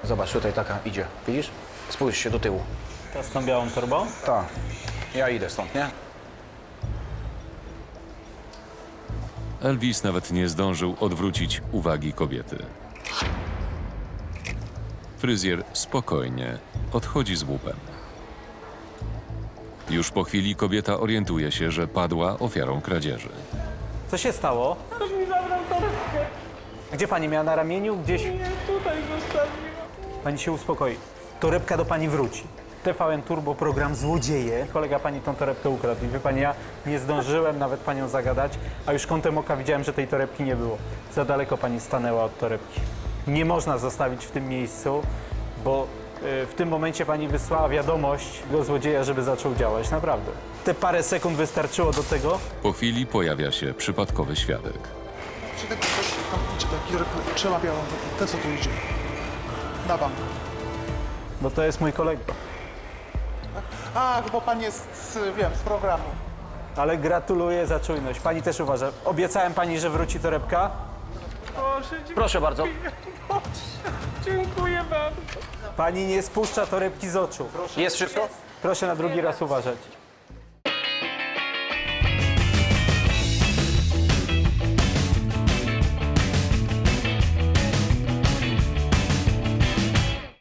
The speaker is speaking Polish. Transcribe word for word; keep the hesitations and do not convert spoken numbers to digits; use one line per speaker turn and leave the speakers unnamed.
Zobacz, tutaj taka idzie. Widzisz? Spójrz się do tyłu.
Ta z tą białą torbą?
Tak. Ja idę stąd, nie?
Elvis nawet nie zdążył odwrócić uwagi kobiety. Fryzjer spokojnie odchodzi z łupem. Już po chwili kobieta orientuje się, że padła ofiarą kradzieży.
Co się stało?
Ktoś mi zabrał torebkę.
Gdzie pani miała na ramieniu? Gdzieś?
Nie, tutaj zostawiła.
Pani się uspokoi. Torebka do pani wróci. T V N Turbo, program Złodzieje. Kolega pani tą torebkę ukradł. I wie pani, ja nie zdążyłem nawet panią zagadać, a już kątem oka widziałem, że tej torebki nie było. Za daleko pani stanęła od torebki. Nie można zostawić w tym miejscu, bo y, w tym momencie pani wysłała wiadomość do złodzieja, żeby zaczął działać. Naprawdę. Te parę sekund wystarczyło do tego.
Po chwili pojawia się przypadkowy świadek.
Czy taki ktoś tam idzie, taki trzeba białą, ten co tu idzie. Na bank.
Bo to jest mój kolega.
A, bo pan jest, wiem, z programu.
Ale gratuluję za czujność. Pani też uważa. Obiecałem pani, że wróci torebka.
Boże, dziękuję.
Proszę bardzo.
Boże, dziękuję bardzo.
Pani nie spuszcza torebki z oczu.
Jest wszystko?
Proszę na drugi raz uważać.